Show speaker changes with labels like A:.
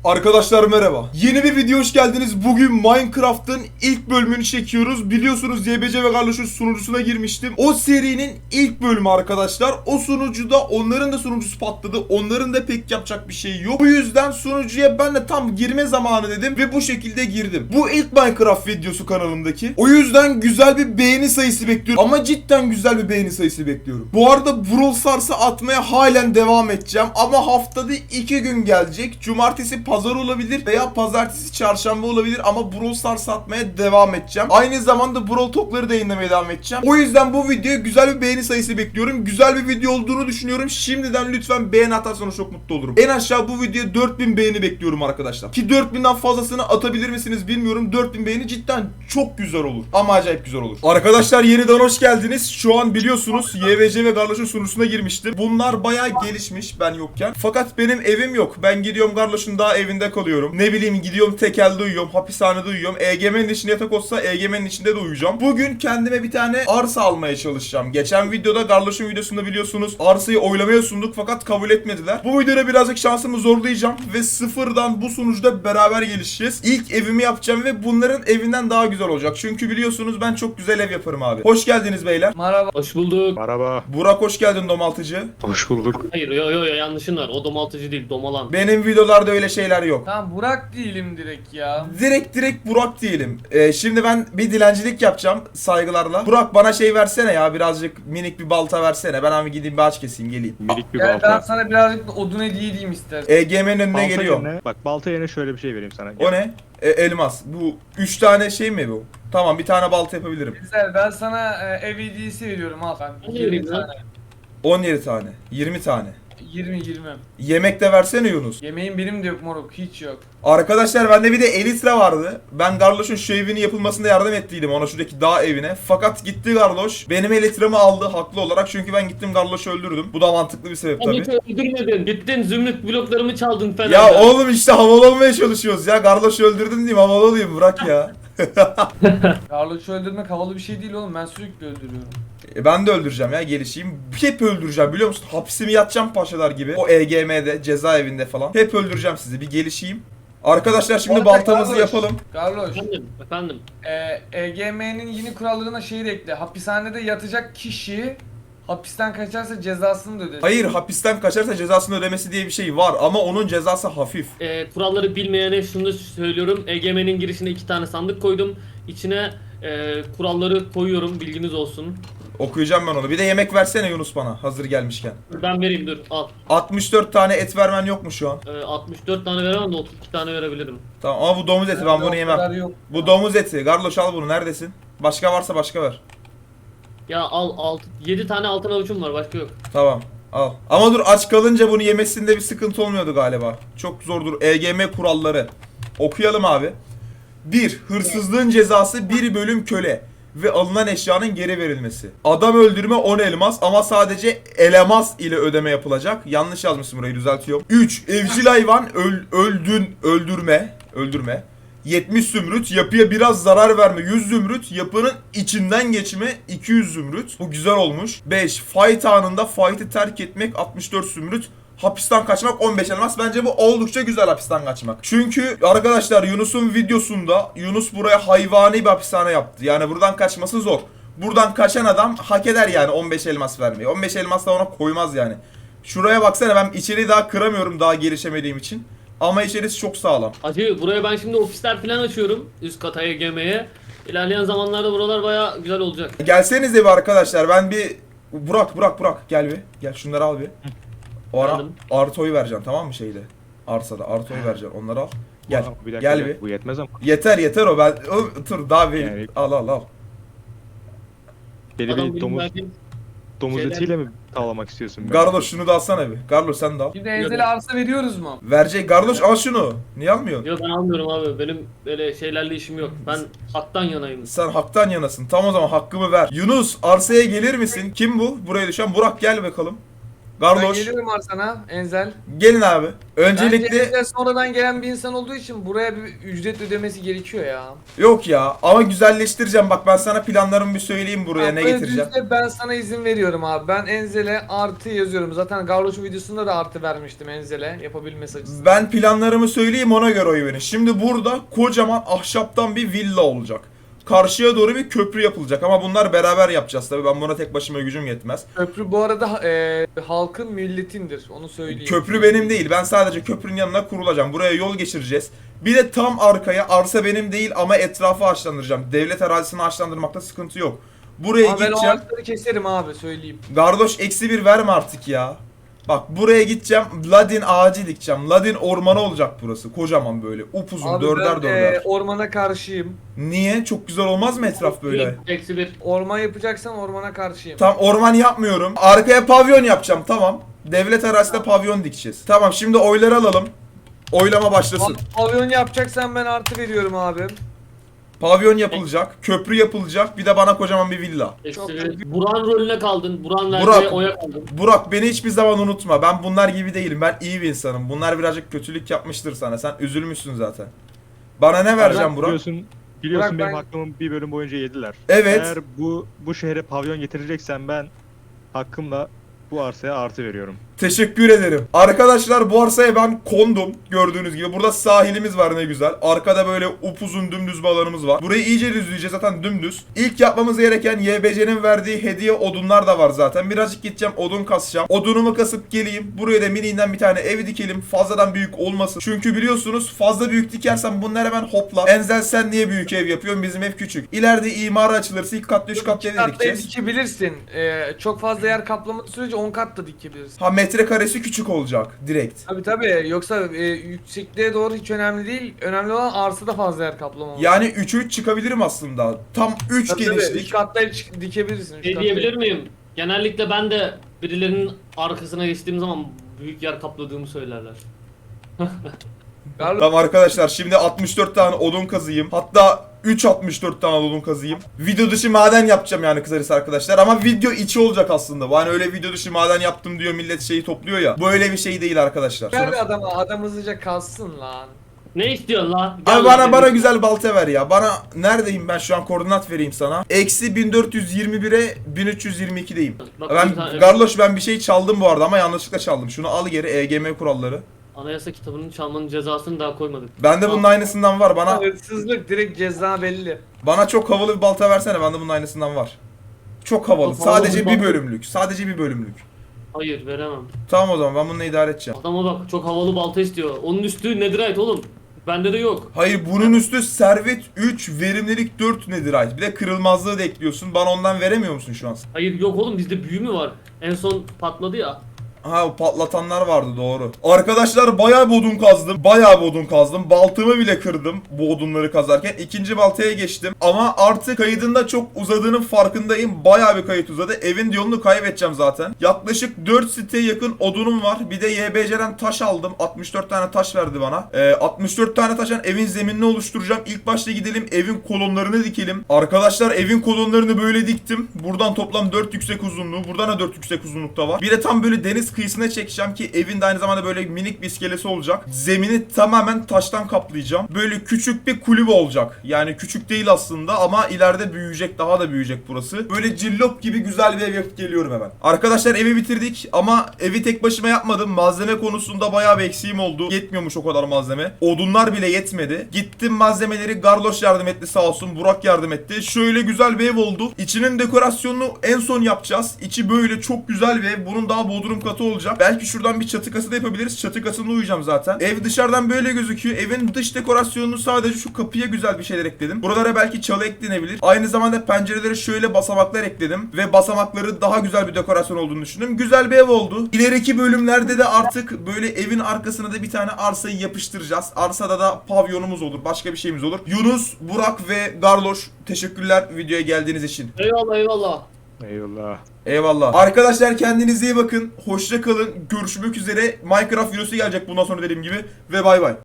A: Arkadaşlar merhaba. Yeni bir video hoş geldiniz. Bugün Minecraft'ın ilk bölümünü çekiyoruz. Biliyorsunuz YBC ve Garloş'un sunucusuna girmiştim. O serinin ilk bölümü arkadaşlar. O sunucuda onların da sunucusu patladı. Onların da pek yapacak bir şey yok. Bu yüzden sunucuya ben de tam girme zamanı dedim ve bu şekilde girdim. Bu ilk Minecraft videosu kanalımdaki. O yüzden güzel bir beğeni sayısı bekliyorum. Ama cidden güzel bir beğeni sayısı bekliyorum. Bu arada Brawl Stars'ı atmaya halen devam edeceğim. Ama haftada 2 gün gelecek. Cumartesi pazar olabilir veya pazartesi çarşamba olabilir ama Brawl Stars atmaya devam edeceğim. Aynı zamanda Brawl Talk'ları da yayınlamaya devam edeceğim. O yüzden bu videoya güzel bir beğeni sayısı bekliyorum. Güzel bir video olduğunu düşünüyorum. Şimdiden lütfen beğeni atarsanız çok mutlu olurum. En aşağı bu videoya 4000 beğeni bekliyorum arkadaşlar. Ki 4000'den fazlasını atabilir misiniz bilmiyorum. 4000 beğeni cidden çok güzel olur. Ama acayip güzel olur. Arkadaşlar yeniden hoş geldiniz. Şu an biliyorsunuz YVC ve Garloş'un sunucusuna girmiştim. Bunlar bayağı gelişmiş ben yokken. Fakat benim evim yok. Ben gidiyorum Garloş'un daha evinde kalıyorum. Ne bileyim gidiyorum tekelde uyuyorum. Hapishanede uyuyorum. EGM'nin içinde yatak olsa EGM'nin içinde de uyuyacağım. Bugün kendime bir tane arsa almaya çalışacağım. Geçen videoda Garloş'un videosunda biliyorsunuz arsayı oylamaya sunduk fakat kabul etmediler. Bu videoda birazcık şansımı zorlayacağım ve sıfırdan bu sunucuda beraber gelişeceğiz. İlk evimi yapacağım ve bunların evinden daha güzel olacak. Çünkü biliyorsunuz ben çok güzel ev yaparım abi. Hoş geldiniz beyler.
B: Merhaba.
C: Hoş bulduk.
D: Merhaba.
A: Burak hoş geldin domaltıcı.
D: Hoş bulduk.
C: Hayır yo yanlışın var. O domaltıcı değil, domalan.
A: Benim videolarda öyle şeyler yok.
B: Tamam Burak değilim direkt ya.
A: Direkt Burak diyelim. Şimdi ben bir dilencilik yapacağım saygılarla. Burak bana şey versene ya, birazcık minik bir balta versene. Ben abi gideyim bir ağaç keseyim geleyim.
D: Minik bir
B: Gel ben
D: balta.
B: sana birazcık da odun hediye edeyim istersen.
A: EGM'nin önüne
D: Balta
A: geliyor.
D: yerine, bak balta yerine şöyle bir şey vereyim sana.
A: O ne? Elmas. Bu 3 tane şey mi bu? Tamam, bir tane balta yapabilirim.
B: Güzel, ben sana ev hediyesi veriyorum al sen.
C: Ne
B: 20
C: vereyim lan?
B: tane.
A: 17 tane. 20 tane.
B: 20.
A: Yemek de versene Yunus.
B: Yemeğim benim de yok moruk, hiç yok.
A: Arkadaşlar bende bir de Elytra vardı. Ben Garloş'un şu evini yapılmasında yardım ettiydim ona, şuradaki dağ evine. Fakat gitti Garloş. Benim Elytra'mı aldı haklı olarak. Çünkü ben gittim Garloş'u öldürdüm. Bu da mantıklı bir sebep
C: Ama
A: tabii.
C: hiç öldürmedin. Gittin zümrüt bloklarımı çaldın falan.
A: Ya oğlum işte havalı olmaya çalışıyoruz ya. Garloş'u öldürdün diyeyim, havalı olayım, bırak ya.
B: Garloş'u öldürmek havalı bir şey değil oğlum, ben sürekli öldürüyorum.
A: Ben de öldüreceğim ya, gelişeyim. Hep öldüreceğim biliyor musun? Hapsimi yatacağım paşalar gibi. O EGM'de, cezaevinde falan. Hep öldüreceğim sizi. Bir gelişeyim. Arkadaşlar şimdi
B: Bu arada
A: baltamızı
B: Garloş,
A: yapalım.
B: Garloş,
C: Efendim.
B: EGM'nin yeni kurallarına şey de ekle. Hapishanede yatacak kişi hapisten kaçarsa cezasını da ödesin.
A: Hayır, hapisten kaçarsa cezasını ödemesi diye bir şey var ama onun cezası hafif.
C: Kuralları bilmeyene şunu da söylüyorum. EGM'nin girişine 2 tane sandık koydum. İçine kuralları koyuyorum, bilginiz olsun.
A: Okuyacağım ben onu. Bir de yemek versene Yunus bana hazır gelmişken.
C: Ben vereyim, dur al.
A: 64 tane et vermen yok mu şu an?
C: 64 tane veremem de 32 tane verebilirim.
A: Tamam ama bu domuz eti, ben bunu
B: O
A: yemem.
B: kadar yok.
A: Bu domuz eti. Garloş al bunu, neredesin? Başka varsa başka ver.
C: Ya al 7 tane altın avucum var, başka yok.
A: Tamam al. Ama dur, aç kalınca bunu yemesinde bir sıkıntı olmuyordu galiba. Çok zordur. EGM kuralları. Okuyalım abi. 1. Hırsızlığın cezası 1 bölüm köle ve alınan eşyanın geri verilmesi. Adam öldürme 10 elmas ama sadece elemas ile ödeme yapılacak. Yanlış yazmışım, burayı düzeltiyorum. 3. Evcil hayvan öldürme. 70 zümrüt, yapıya biraz zarar verme 100 zümrüt, yapının içinden geçme 200 zümrüt. Bu güzel olmuş. 5. Fight anında fight'ı terk etmek 64 zümrüt. Hapisten kaçmak 15 elmas. Bence bu oldukça güzel, hapisten kaçmak. Çünkü arkadaşlar Yunus'un videosunda Yunus buraya hayvani bir hapishane yaptı. Yani buradan kaçması zor. Buradan kaçan adam hak eder yani 15 elmas vermeyi. 15 elmas da ona koymaz yani. Şuraya baksana, ben içeriği daha kıramıyorum daha gelişemediğim için. Ama içerisi çok sağlam.
C: Hacı, buraya ben şimdi ofisler falan açıyorum. Üst kata EGM'ye. İlerleyen zamanlarda buralar baya güzel olacak.
A: Gelsenize bir arkadaşlar, ben bir... Burak gel bir. Gel şunları al bir. O ara
C: Geldim.
A: Arto'yu vereceğim, tamam mı şeyde? Arsada Arto'yu vereceğim, onları al. Gel.
D: Bir dakika,
A: Gel bir.
D: Bu yetmez ama.
A: Yeter o, ben dur daha bir
D: Yani-
A: al.
D: Deli
C: Adam
D: bir
C: benim
D: domuz,
C: verdiğim
D: domuz
C: şeyler-
D: etiyle mi tavlamak istiyorsun? beni?
A: Garloş şunu da alsana bir. Garloş sen de al.
B: Şimdi Enzel'e arsa veriyoruz mu?
A: Verecek Garloş, al şunu. Niye almıyorsun?
C: Yok, ben almıyorum abi. Benim böyle şeylerle işim yok. Ben haktan yanayım.
A: Sen haktan yanasın. Tam o zaman hakkımı ver. Yunus, arsaya gelir misin? Kim bu? Buraya düşen Burak, gel bakalım.
B: Ben
A: Garloş
B: geliyorum Arslan'a Enzel.
A: gelin abi.
B: Bence
A: Öncelikle
B: Enzel sonradan gelen bir insan olduğu için buraya bir ücret ödemesi gerekiyor ya.
A: yok ya ama güzelleştireceğim. Bak ben sana planlarımı bir söyleyeyim buraya ne
B: Böyle
A: getireceğim.
B: düzde ben sana izin veriyorum abi. Ben Enzel'e artı yazıyorum. Zaten Garloş'un videosunda da artı vermiştim Enzel'e yapabilmesi açısından.
A: Ben planlarımı söyleyeyim ona göre oy verin. Şimdi burada kocaman ahşaptan bir villa olacak. Karşıya doğru bir köprü yapılacak ama bunlar beraber yapacağız tabii. Ben buna tek başıma gücüm yetmez.
B: Köprü bu arada halkın milletindir. Onu söyleyeyim.
A: Köprü benim değil. Ben sadece köprünün yanına kurulacağım. Buraya yol geçireceğiz. Bir de tam arkaya arsa benim değil ama etrafı ağaçlandıracağım. Devlet arazisini ağaçlandırmakta sıkıntı yok. Buraya
B: Ama ben o
A: gideceğim.
B: ağaçları keserim abi söyleyeyim.
A: Garloş -1 verme artık ya. Bak buraya gideceğim. Ladin ağacı dikeceğim. Ladin ormanı olacak burası. Kocaman böyle. Upuzun
B: Abi
A: dörder
B: ben
A: dörder.
B: ormana karşıyım.
A: Niye? Çok güzel olmaz mı etraf böyle?
C: -1.
B: Orman yapacaksan ormana karşıyım.
A: Tam orman yapmıyorum. Arkaya pavyon yapacağım tamam. Devlet arazisinde pavyon dikeceğiz. Tamam şimdi oyları alalım. Oylama başlasın.
B: Pavyon yapacaksan ben artı veriyorum abi.
A: Pavyon yapılacak, köprü yapılacak, bir de bana kocaman bir villa.
C: -1. Buran rolüne kaldın. Buran
A: Burak.
C: verdiği oya kaldın.
A: Burak beni hiçbir zaman unutma. Ben bunlar gibi değilim. Ben iyi bir insanım. Bunlar birazcık kötülük yapmıştır sana. Sen üzülmüşsün zaten. Bana ne vereceğim Burak?
D: Biliyorsun
B: Burak,
D: benim
B: ben-
D: hakkımı bir bölüm boyunca yediler.
A: Evet.
D: Eğer bu şehre pavyon getireceksen ben hakkımla bu arsaya artı veriyorum.
A: Teşekkür ederim. Arkadaşlar bu arsaya ben kondum. Gördüğünüz gibi. Burada sahilimiz var ne güzel. Arkada böyle upuzun dümdüz bir alanımız var. Burayı iyice düzleyeceğiz zaten dümdüz. İlk yapmamız gereken YBC'nin verdiği hediye odunlar da var zaten. Birazcık gideceğim odun kasacağım. Odunumu kasıp geleyim. Buraya da mininden bir tane ev dikelim. Fazladan büyük olmasın. Çünkü biliyorsunuz fazla büyük dikersem bunlar hemen hopla. Enzel sen niye büyük ev yapıyorsun? Bizim ev küçük. İleride imara açılırsa ilk katlı 3 katlı ev
B: İki katlı ev
A: dikeceğiz.
B: dikebilirsin. Çok fazla yer kaplamadığı sürece 10 kat da dikebilirsin.
A: Ha metrekaresi küçük olacak direkt.
B: Tabi yoksa yüksekliğe doğru hiç önemli değil. Önemli olan arsada fazla yer kaplamamak.
A: Yani 3'e 3 çıkabilirim aslında. Tam 3
B: Tabii,
A: genişlik.
B: 3 katlı ev dikebilirsin. üç
C: Şey
B: katlı
C: diyebilir
B: ev.
C: miyim? Genellikle ben de birilerinin arkasına geçtiğim zaman büyük yer kapladığımı söylerler.
B: Garlo-
A: Tamam arkadaşlar şimdi 64 tane odun kazıyım. Hatta 64 tane odun kazıyım. Video dışı maden yapacağım yani kısacası arkadaşlar. Ama video içi olacak aslında. Bu hani öyle video dışı maden yaptım diyor millet şeyi topluyor ya. Bu öyle bir şey değil arkadaşlar.
B: Ver
A: Sonra...
B: adam hızlıca kalsın lan.
C: Ne istiyorsun la? Gel
A: Abi
C: lan
A: bana
C: dedim.
A: güzel balta ver ya. Bana neredeyim ben şu an koordinat vereyim sana. -1421'e 1322'deyim.
C: Bak,
A: Ben
C: bir tane-
A: Garloş ben bir şey çaldım bu arada ama yanlışlıkla çaldım. Şunu al geri EGM kuralları.
C: Anayasa kitabının çalmanın cezasını daha koymadık.
A: Bende bunun aynısından var. Bana
B: Hırsızlık direkt ceza belli.
A: Bana çok havalı bir balta versene. Bende bunun aynısından var. Çok havalı.
C: Çok havalı
A: Sadece
C: bir
A: bir
C: balta.
A: bölümlük. Sadece bir bölümlük.
C: Hayır veremem.
A: Tamam o zaman ben bununla idare edeceğim.
C: Adama bak çok havalı balta istiyor. Onun üstü netherite oğlum. Bende de yok.
A: Hayır bunun üstü servet 3, verimlilik 4 netherite. Bir de kırılmazlığı da ekliyorsun. Bana ondan veremiyor musun şu an?
C: Hayır yok oğlum bizde büyü mü var? En son patladı ya.
A: Ha o patlatanlar vardı doğru. Arkadaşlar bayağı bir odun kazdım. Bayağı bir odun kazdım. Baltımı bile kırdım bu odunları kazarken. İkinci baltaya geçtim. Ama artık kaydında çok uzadığının farkındayım. Bayağı bir kayıt uzadı. Evin yolunu kaybedeceğim zaten. Yaklaşık 4 siteye yakın odunum var. Bir de YBC'den taş aldım. 64 tane taş verdi bana. 64 tane taşın evin zeminini oluşturacağım. İlk başta gidelim evin kolonlarını dikelim. Arkadaşlar evin kolonlarını böyle diktim. Buradan toplam 4 yüksek uzunluğu. Buradan da 4 yüksek uzunlukta var. Bir de tam böyle deniz kıyısına çekeceğim ki evin de aynı zamanda böyle minik bir iskelesi olacak. Zemini tamamen taştan kaplayacağım. Böyle küçük bir kulübe olacak. Yani küçük değil aslında ama ileride büyüyecek, daha da büyüyecek burası. Böyle cillop gibi güzel bir ev yapıp geliyorum hemen. Arkadaşlar evi bitirdik ama evi tek başıma yapmadım. Malzeme konusunda bayağı bir eksiğim oldu. Yetmiyormuş o kadar malzeme. Odunlar bile yetmedi. Gittim malzemeleri Garloş yardım etti sağ olsun. Burak yardım etti. Şöyle güzel bir ev oldu. İçinin dekorasyonunu en son yapacağız. İçi böyle çok güzel bir ev. Bunun daha bodrum katı olacak. Belki şuradan bir çatı kası da yapabiliriz. Çatı kasında uyuyacağım zaten. Ev dışarıdan böyle gözüküyor. Evin dış dekorasyonunu sadece şu kapıya güzel bir şeyler ekledim. Buralara belki çalı eklenebilir. Aynı zamanda pencerelere şöyle basamaklar ekledim. Ve basamakları daha güzel bir dekorasyon olduğunu düşündüm. Güzel bir ev oldu. İleriki bölümlerde de artık böyle evin arkasına da bir tane arsayı yapıştıracağız. Arsada da pavyonumuz olur. Başka bir şeyimiz olur. Yunus, Burak ve Garloş teşekkürler videoya geldiğiniz için.
C: Eyvallah eyvallah.
D: Eyvallah.
A: Eyvallah. Arkadaşlar kendinize iyi bakın. Hoşça kalın. Görüşmek üzere. Minecraft videosu gelecek bundan sonra dediğim gibi. Ve bay bay.